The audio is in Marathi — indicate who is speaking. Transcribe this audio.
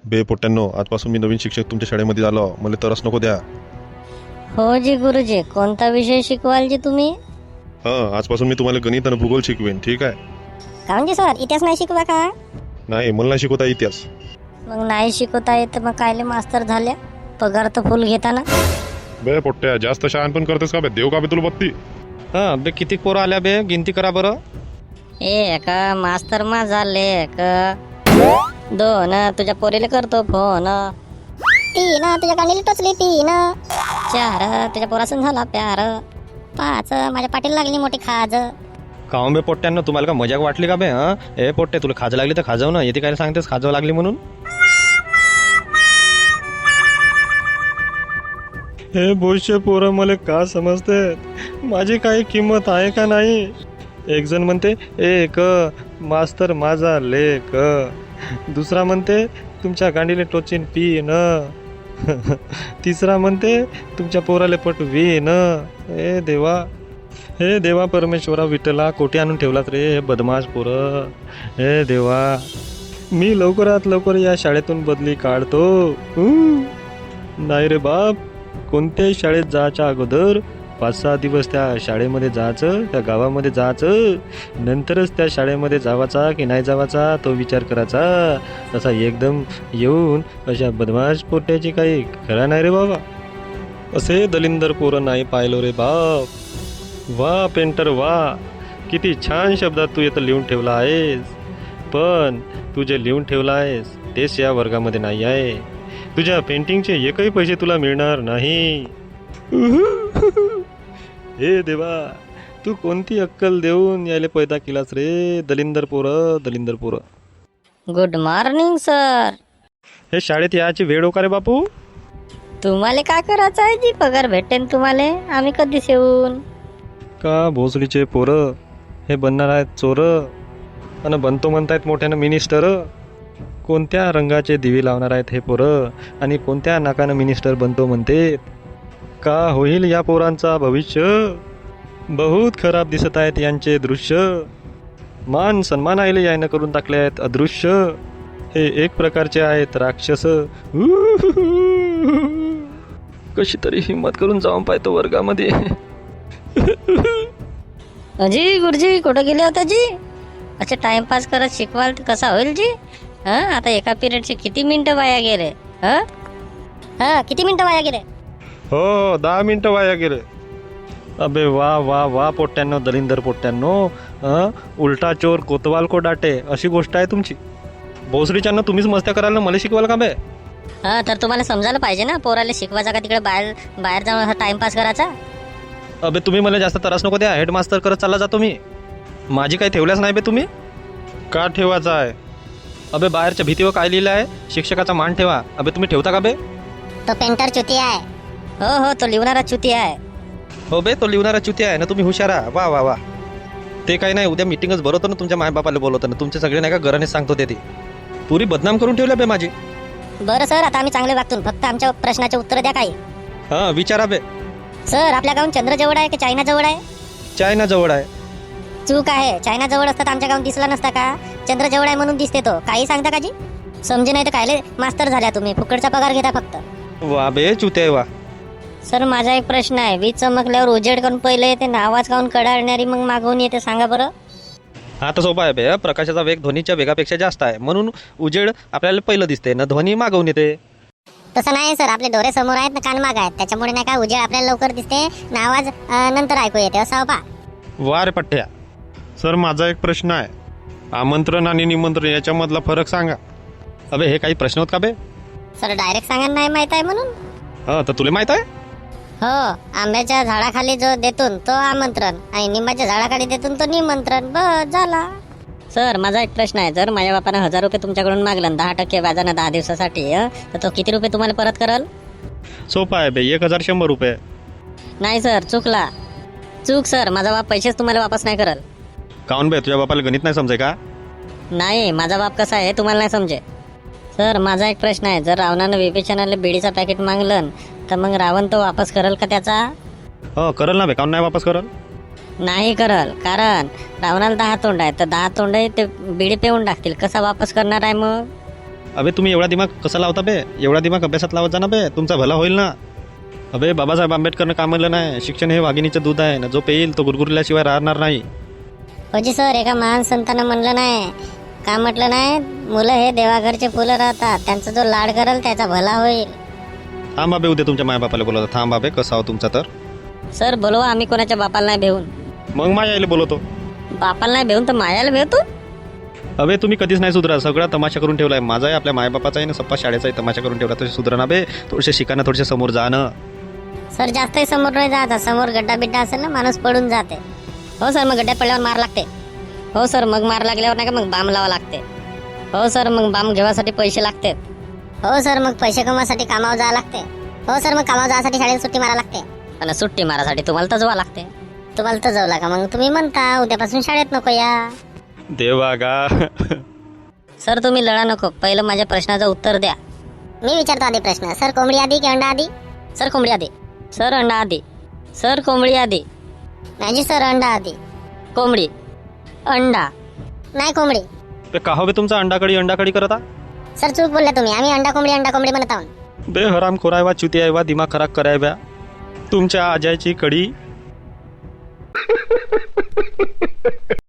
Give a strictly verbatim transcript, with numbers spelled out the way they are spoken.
Speaker 1: बे पोट्ट्यांनो, आजपासून मी नवीन शिक्षक तुमच्या शाळेमध्ये आलो. मला तरस नको द्या.
Speaker 2: हो जी गुरुजी, कोणता विषय शिकवाल जी तुम्ही?
Speaker 1: हां, आजपासून मी तुम्हाला गणित आणि भूगोल शिकवेन, ठीक आहे?
Speaker 2: काऊन जी सर, इतिहास नाही शिकवा का?
Speaker 1: नाही, मला नाही शिकवता इतिहास.
Speaker 2: मग नाही शिकवता येत मग कायले मास्तर झाल्या? पगार तर फुल घेताना.
Speaker 1: बे पोट्ट्या, जास्त शहाण पण करतेस का बे? देव का बे तुला बत्ती?
Speaker 3: हा बे, किती पोरं आल्या बे? गिनती करा बरं.
Speaker 2: एक मास्तर माझा लेक, दोन तुझ्या पोरीला करतो फोन, तीन तुझ्या गाणीला टोचली तीन, चार तुझ्या पोरासून झाला प्यार, पाच माझ्या पाठीला लागली मोठी खाज.
Speaker 3: काऊन बे पोट्ट्यांना, तुम्हाला का मजाक वाटली का बे? हा ए पोट्टे, तुला खाज लागली तर खाजव ना. येते काय सांगतेस खाजव लागली म्हणून? हे बोलशे पोरं मला का समजते? माझी काही किंमत आहे का नाही? एक जण म्हणते एक मास्तर माझा लेक, दुसरा म्हणते तुमच्या गांडीले टोचीन पीन, तिसरा म्हणते तुमच्या पोराले पटवीन. हे देवा, हे देवा परमेश्वरा विठ्ठला, कोठे आणून ठेवलात रे हे बदमाश पोरं. हे देवा, मी लवकरात लवकर या शाळेतून बदली काढतो. हं. नाही रे बाप, कोणत्याही शाळेत जायच्या अगोदर पाच सहा दिवस त्या शाळेमध्ये जायचं, त्या गावामध्ये जायचं, नंतरच त्या शाळेमध्ये जावाचा की नाही जावाचा तो विचार करायचा. तसा एकदम येऊन अशा बदमाश पोट्याची काही खरा नाही रे बाबा. असे दलिंदर पोरं नाही पाहिलो रे बाप. वा पेंटर वा, किती छान शब्दात तू इथं लिहून ठेवला आहेस. पण तू जे लिहून ठेवला आहेस तेच या वर्गामध्ये नाही आहे. तुझ्या पेंटिंगचे एकही पैसे तुला मिळणार नाही. हे देवा, तू कोणती अक्कल देऊन यायला पैदा केलास रे दलिंदर पोरं, दलिंदर पोरं.
Speaker 2: Good morning sir.
Speaker 3: हे शाळेत यायची वेळ हो का रे बापू?
Speaker 2: तुम्हाला काय करायचं आहे जी? पगार भेटेन तुम्हाला, आम्ही कधीच येऊन.
Speaker 3: का भोसडीचे पोरं हे बनणार आहेत चोरं, आणि बनतो म्हणतायत मोठ्यानं मिनिस्टर. कोणत्या रंगाचे दिवे लावणार आहेत हे पोरं, आणि कोणत्या नाकानं मिनिस्टर बनतो म्हणते. का होईल या पोरांचा भविष्य? बहुत खराब दिसत आहेत यांचे दृश्य. मान सन्मान आले यायनं करून टाकले आहेत अदृश्य. हे एक प्रकारचे आहेत राक्षस. कशी तरी हिंमत करून जाऊन पाहतो वर्गामध्ये.
Speaker 2: अजी गुरुजी, कुठं गेले होता जी? अच्छा, टाइमपास करत शिकवाल तर कसा होईल जी? हां, आता एका पिरियडचे किती मिनटं वाया गेले? हां हां किती मिनटं वाया गेले?
Speaker 3: हो, दहा मिनटं वाया गेले. अबे वा वा वा पोट्ट्यांनो, दलिंदर पोट्ट्यांनो. हं, उलटा चोर कोतवाल को डाटे, अशी गोष्ट आहे तुमची. भोसडीच्यांना तुम्हीच मस्त्या करायला मला शिकवाल का बे?
Speaker 2: हां, तर तुम्हाला समजायला पाहिजे ना, पोराला शिकवायचा का तिकडे बाहेर बाहेर जाऊन टाइमपास करायचा?
Speaker 3: अबे तुम्ही मला जास्त त्रास नको द्या. हेडमास्तर करत चालला जातो मी. माझी काही ठेवल्याच नाही बे तुम्ही.
Speaker 1: का ठेवायचा आहे?
Speaker 3: अबे बाहेरच्या भीतीवर काय लिहिलं आहे? शिक्षकाचा मान ठेवा. अबे तुम्ही ठेवता का बे?
Speaker 2: तो पेंटर चुती आहे. हो हो, तो लिवणारा चुती आहे.
Speaker 3: हो बे, तो लिहिणारा चुती आहे ना. तुम्ही हुशार आहे. वा वा वा. ते काही नाही, उद्या मिटिंगच भरवतो ना, तुमच्या मायबापाला बोलवतो ना. तुमचे सगळे नाही का घरानेच सांगतो ते. ती पुरी बदनाम करून ठेवल्या बे माझी.
Speaker 2: बरं सर, आता आम्ही चांगले वागतो, फक्त आमच्या प्रश्नाचे उत्तर द्या काही.
Speaker 3: हां, विचारा बे.
Speaker 2: सर, आपल्या गावून चंद्र जवळ आहे की चायना जवळ आहे?
Speaker 3: चायना जवळ आहे.
Speaker 2: चूक आहे. चायना जवळ असता तर आमच्या गावून दिसला नसता का? चंद्र जवळ आहे म्हणून दिसते तो. काही सांगता का जी? समजे नाही तर कायले मास्तर झाल्या तुम्ही? फुकटचा पगार घेता फक्त.
Speaker 3: वा बे चुते वा.
Speaker 2: सर, माझा एक प्रश्न आहे. वीज चमकल्यावर उजेड करून पहिले येते ना, आवाज काऊन कडाळणारी मग मागवून येते, सांगा बरं?
Speaker 3: हा तर सोपा आहे बे. प्रकाशाचा वेग ध्वनीच्या वेगापेक्षा जास्त आहे, म्हणून उजेड आपल्याला पहिलं दिसते ना, ध्वनी मागवून येते.
Speaker 2: तसं नाही सर, आपले डोळे समोर आहेत ना, कान माग आहेत, त्याच्यामुळे नाही का उजेड आपल्याला लवकर दिसते ना, आवाज अं, नंतर ऐकू येते, असं हो पा.
Speaker 3: वा रे पठ्ठ्या.
Speaker 1: सर, माझा एक प्रश्न आहे. आमंत्रण आणि निमंत्रण याच्यामधला फरक सांगा.
Speaker 3: अबे हे काही प्रश्न होत का बे?
Speaker 2: सर, डायरेक्ट सांगा नाही माहित आहे म्हणून.
Speaker 3: हा तर तुला माहित आहे?
Speaker 2: हो, आंब्याच्या झाडाखाली जो देतून तो आमंत्रण, आणि निंबाच्या झाडाखाली देतून तो निमंत्रण. बस झाला. सर, माझा एक प्रश्न आहे. जर माझ्या बापानं हजार रुपये तुमच्याकडून मागलं दहा टक्के व्याजानं दहा दिवसासाठी, हं, तर तो किती रुपये तुम्हाला परत करल?
Speaker 3: सोपा आहे बे, एक हजार शंभर रुपये.
Speaker 2: नाही सर, चुकला. चूक सर, माझा बाप पैसेच तुम्हाला वापस नाही करल.
Speaker 3: काऊन बे, तुझ्या बापाला गणित नाही समजे का?
Speaker 2: नाही, माझा बाप कसा आहे तुम्हाला नाही समजे. सर, माझा एक प्रश्न आहे. जर रावणानं विभीषणाला बिडीचा पॅकेट मागलं तर मग रावण तो वापस करल का त्याचा?
Speaker 3: हो करल ना बे, काऊन नाही वापस करल?
Speaker 2: नाही करल, कारण रावणाला दहा तोंड आहे, तर दहा तोंड आहे ते बिडी पेऊन टाकतील. कसा वापस करणार आहे मग?
Speaker 1: अबे तुम्ही एवढा दिमाग कसा लावता बे? एवढा दिमाग अभ्यासात लावत जा ना बे, तुमचा भला होईल ना. अबे बाबासाहेब आंबेडकरनं का म्हणलं नाही, शिक्षण हे वाघिणीचं दूध आहे ना, जो पेईल तो गुरगुरल्याशिवाय राहणार नाही.
Speaker 2: होजी सर, एका महान संतानं म्हणलं नाही का, म्हटलं नाही, मुलं हे देवाघरचे फुलं राहतात, त्यांचा जो लाड करल त्याचा भला होईल.
Speaker 1: थांब अबे, उद्या तुमच्या मायबापाला बोलवतो. थांब अबे, कसा हो तुमचा तर.
Speaker 2: सर बोलवा, आम्ही कोणाच्या बापाला नाही भेऊन.
Speaker 1: मग माझ्या आईला बोलवतो.
Speaker 2: बापाला नाही भेऊन तर मायाला भेवतो.
Speaker 1: अबे तुम्ही कधीच नाही सुधरा, सगळा तमाशा करून ठेवलाय. माझा आहे, आपल्या मायबापाचा आहे ना, सप्पा शाळेचाही तमाशा करून ठेवला. तसे सुधरा ना बे, थोडेसे शिका ना, थोडेसे समोर जा ना.
Speaker 2: सर जास्तही समोर नाही जायचं, समोर गड्डा बिड्डा असेल ना, माणूस पडून जाते. हो सर, मग गड्ड्यात पडल्यावर मार लागते. हो सर, मग मार लागल्यावर नाही का मग बाम लावा लागते. हो सर, मग बाम घेवासाठी पैसे लागते. हो सर, मग पैसे कमवासाठी कामावर जावं लागते. हो सर, मग कामावर जायसाठी शाळेत सुट्टी मारा लागते. आणि सुट्टी मारासाठी तुम्हाला तजवा लागते. तुम्हाला तजवला का मग तुम्ही म्हणता उद्यापासून शाळेत नको या.
Speaker 1: देवा गा.
Speaker 2: सर तुम्ही लढा नको, पहिलं माझ्या प्रश्नाचं उत्तर द्या. मी विचारतो आधी प्रश्न. सर कोंबडी आधी की अंडा आधी? सर कोंबडी आधी. सर अंडा आधी. सर कोंबडी आधी. नाही जी सर, अंडा आधी. कोंबडी. अंडा. नाही कोंबडी.
Speaker 1: बे का हो बे तुमचा अंडाकडी अंडाकडी करता?
Speaker 2: सर चूक बोलला तुम्ही, आम्ही अंडा कोंबडी अंडा कोंबडी म्हणत आहोत.
Speaker 1: बे हराम खोरायवा चुती आहे वा, दिमाग खराब करायव्या तुमच्या आजायची कडी.